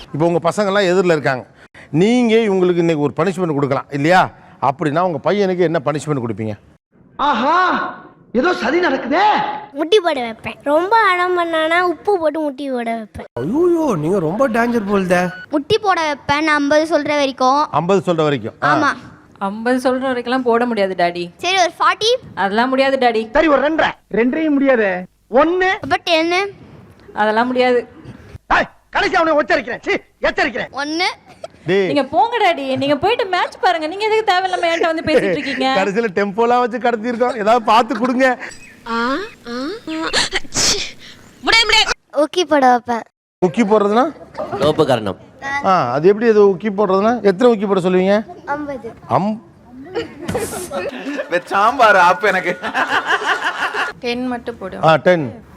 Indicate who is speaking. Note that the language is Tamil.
Speaker 1: இப்போ உங்கள் பசங்கள்லாம் எதிரில் இருக்காங்க, நீங்கள் இவங்களுக்கு இன்றைக்கி ஒரு பனிஷ்மெண்ட் கொடுக்கலாம் இல்லையா? அப்படின்னா உங்கள் பையனுக்கு என்ன பனிஷ்மெண்ட் கொடுப்பீங்க?
Speaker 2: ஆஹா, ஏதோ சதி நடக்குதே.
Speaker 3: முட்டி போட வைப்பேன். ரொம்ப அடம் பண்ணானா உப்பு போட்டு முட்டி போட வைப்பேன்.
Speaker 4: ஐயோ, நீங்க ரொம்ப டேஞ்சர் போல்தே.
Speaker 3: முட்டி போட வைப்பேன் நான் 50 சொல்ற வரைக்கும்.
Speaker 1: 50 சொல்கிற வரைக்கும்?
Speaker 3: ஆமா.
Speaker 5: 50 சொல்ற வரைக்கும் போட முடியாது டாடி.
Speaker 3: சரி ஒரு 40.
Speaker 5: அதெல்லாம் முடியாது டாடி.
Speaker 2: சரி ஒரு 2. 2 முடியாது. 1.
Speaker 3: அப்ப 10.
Speaker 5: அதெல்லாம் முடியாது.
Speaker 2: கடைசி அவனை எச்சரிக்கிறேன்.
Speaker 3: 1.
Speaker 5: நீங்க போங்க டாடி, நீங்க போயிட்டு மேட்ச் பாருங்க. நீங்க எதுக்கு தேவையில்லாம என்கிட்ட வந்து பேசிட்டு இருக்கீங்க?
Speaker 1: கடைசியில் டெம்போலாம் வச்சு கடத்தி இருக்கோம், ஏதாவது பார்த்து கொடுங்க.
Speaker 3: ஊக்கி போட வைப்பேன்.
Speaker 1: உக்கி போடுறதுனா?
Speaker 4: லோப காரணம்.
Speaker 1: அது எப்படி அது உக்கி போடுறதுனா? எத்தனை உக்கி போட சொல்லுவீங்க?
Speaker 3: 50.
Speaker 6: சாம்பார் ஆப் எனக்கு
Speaker 5: 10 மட்டும் போடு.
Speaker 1: 10.